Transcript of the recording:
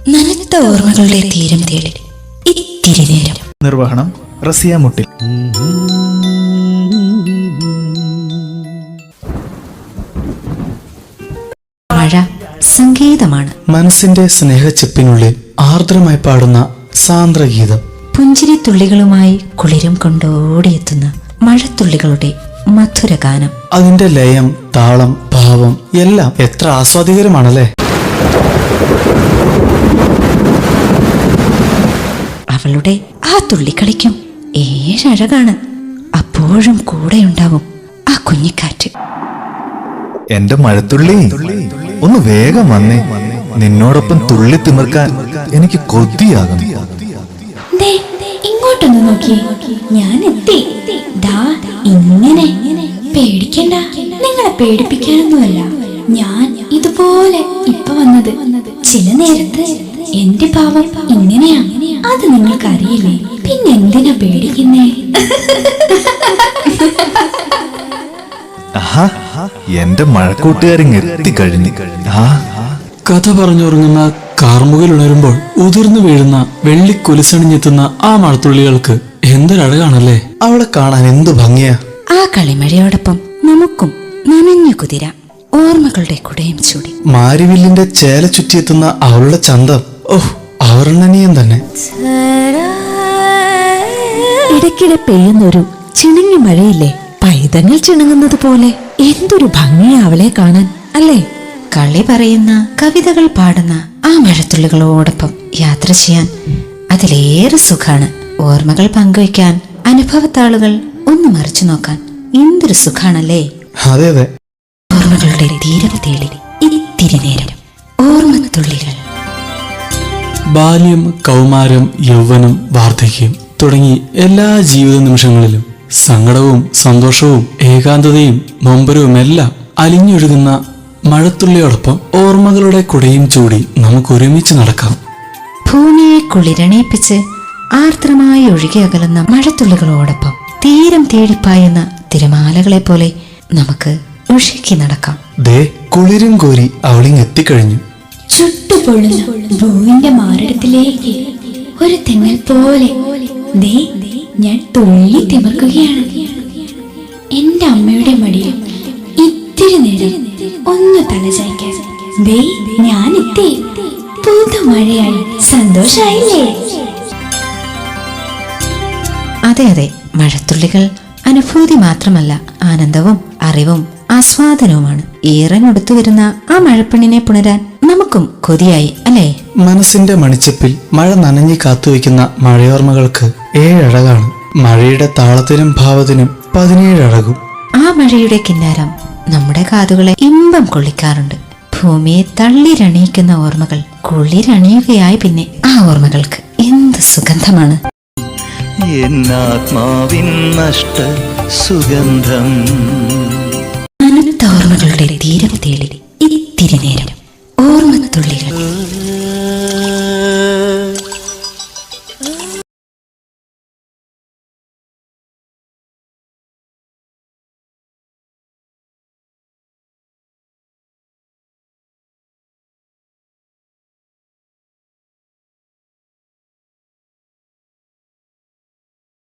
നനുത്ത ഓർമ്മകളുടെ തീരം തേടി ഇത്തിരി നേരം. നിർവഹണം റസിയ മുട്ടിൽ. മഴ സംഗീതമാണ്. മനസ്സിന്റെ സ്നേഹച്ചെപ്പിനുള്ളിൽ ആർദ്രമായി പാടുന്ന സാന്ദ്രഗീതം. പുഞ്ചിരി തുള്ളികളുമായി കുളിരും കൊണ്ടോടിയെത്തുന്ന മഴത്തുള്ളികളുടെ മധുരഗാനം. അതിന്റെ ലയം, താളം, ഭാവം എല്ലാം എത്ര ആസ്വാദികരമാണല്ലേ. അവളുടെ ആ തുള്ളിക്കളിക്കും ഏഴഴകാണ്. അപ്പോഴും കൂടെയുണ്ടാവും ആ കുഞ്ഞിക്കാറ്റ്. എന്റെ മഴത്തുള്ളി, ഒന്ന് വേഗം വന്നേ. നിന്നോടൊപ്പം തുള്ളി തിമിർക്കാൻ എനിക്ക് കൊതിയാകുന്നു. ഇങ്ങോട്ടൊന്ന് നോക്കി, ഞാൻ എത്തി. ദാ ഇങ്ങനെ. പേടിക്കണ്ട, നിങ്ങളെ പേടിപ്പിക്കാനൊന്നുമല്ല ഞാൻ ഇതുപോലെ ഇപ്പൊ വന്നത്. ചില നേരത്ത് എന്റെ ഭാവം ഇങ്ങനെയാ, അത് നിങ്ങൾക്ക് അറിയില്ലേ? പിന്നെ എന്തിനാ പേടിക്കുന്നേ? എന്റെ മഴക്കൂട്ടുകാരിങ് എത്തിക്കഴിഞ്ഞു. കഥ പറഞ്ഞുറങ്ങുന്ന കാർമുകിൽ ഉണരുമ്പോൾ ഉതിർന്നു വീഴുന്ന വെള്ളിക്കൊലിസണിഞ്ഞെത്തുന്ന ആ മഴത്തുള്ളികൾക്ക് എന്തൊരഴകാണല്ലേ. അവളെ കാണാൻ എന്തു ഭംഗിയാ. ആ കളിമഴയോടൊപ്പം നമുക്കും നനഞ്ഞു കുതിര ഓർമ്മകളുടെ കുടയും ചൂടി. മാരിവില്ലിന്റെ ചേല ചുറ്റിയെത്തുന്ന അവളുടെ ചന്തം, ഓഹ് അവർണ്ണനീയം തന്നെ. ഇടയ്ക്കിടെ പെയ്യുന്നൊരു ചിണുങ്ങി മഴയില്ലേ, പൈതങ്ങൾ ചിണുങ്ങുന്നത് പോലെ. എന്തൊരു ഭംഗിയാ അവളെ കാണാൻ, അല്ലേ? കളി പറയുന്ന, കവിതകൾ പാടുന്ന ആ മഴത്തുള്ളികളോടൊപ്പം യാത്ര ചെയ്യാൻ അതിലേറെ സുഖാണ്. ഓർമ്മകൾ പങ്കുവയ്ക്കാൻ, അനുഭവത്താളുകൾ ഒന്ന് മറിച്ചു നോക്കാൻ എന്തൊരു സുഖാണല്ലേ. അതെ അതെ. ഓർമ്മകളുടെ തീരം തേടി ഇത്തിരി നേരം. ഓർമ്മത്തുള്ളികൾ. ബാല്യം, കൗമാരം, യൗവനം, വാർദ്ധക്യം തുടങ്ങി എല്ലാ ജീവിത നിമിഷങ്ങളിലും സങ്കടവും സന്തോഷവും ഏകാന്തതയും നൊമ്പരവുമെല്ലാം അലിഞ്ഞൊഴുകുന്ന മഴത്തുള്ളിയോടൊപ്പം ഓർമ്മകളുടെ കുടയും ചൂടി നമുക്ക് ഒരുമിച്ച് നടക്കാം. ഭൂമിയെ കുളിരണയിപ്പിച്ച് ആർദ്രമായി ഒഴുകി അകലുന്ന മഴത്തുള്ളികളോടൊപ്പം തീരം തേടിപ്പായുന്ന തിരമാലകളെ പോലെ നമുക്ക് ഒഴുകി നടക്കാം. ദേ കുളിരും കോരി അവളിങ് എത്തിക്കഴിഞ്ഞു. ചുട്ടുപൊള്ളുന്ന ഭൂവിന്റെ മാറിടത്തിലേക്ക് ഒരു തെങ്ങൽ പോലെ ദേ ഞാൻ തുള്ളി തിമിർക്കുകയാണ്. എന്റെ അമ്മയുടെ മടിയിൽ ഇത്തിരി നേരം ഒന്ന് തലചായ്ക്കാൻ ദേ ഞാൻ എത്തി. പുതുമഴയായി സന്തോഷായില്ലേ? അതെ അതെ, മഴത്തുള്ളികൾ അനുഭൂതി മാത്രമല്ല, ആനന്ദവും അറിവും ആസ്വാദനവുമാണ്. ഈറനൊടുത്തു വരുന്ന ആ മഴപ്പെണ്ണിനെ പുണരാൻ നമുക്കും കൊതിയായി, അല്ലേ? മനസ്സിന്റെ മണിച്ചപ്പിൽ മഴ നനഞ്ഞു കാത്തുവെക്കുന്ന മഴയോർമ്മകൾക്ക് ഏഴഴകാണ്. മഴയുടെ താളത്തിനും ഭാവത്തിനും 17 അഴകും. ആ മഴയുടെ കിന്നാരം നമ്മുടെ കാതുകളെ ഇമ്പം കൊള്ളിക്കാറുണ്ട്. ഭൂമിയെ തള്ളിരണിയിക്കുന്ന ഓർമ്മകൾ കുളിരണിയുകയായി. പിന്നെ ആ ഓർമ്മകൾക്ക് എന്ത് സുഗന്ധമാണ്. എന്നാത്മാവിൻ നഷ്ട സുഗന്ധം. അനന്ത ഓർമ്മകളുടെ തീരം തേടി ഇത്തിരി നേരം.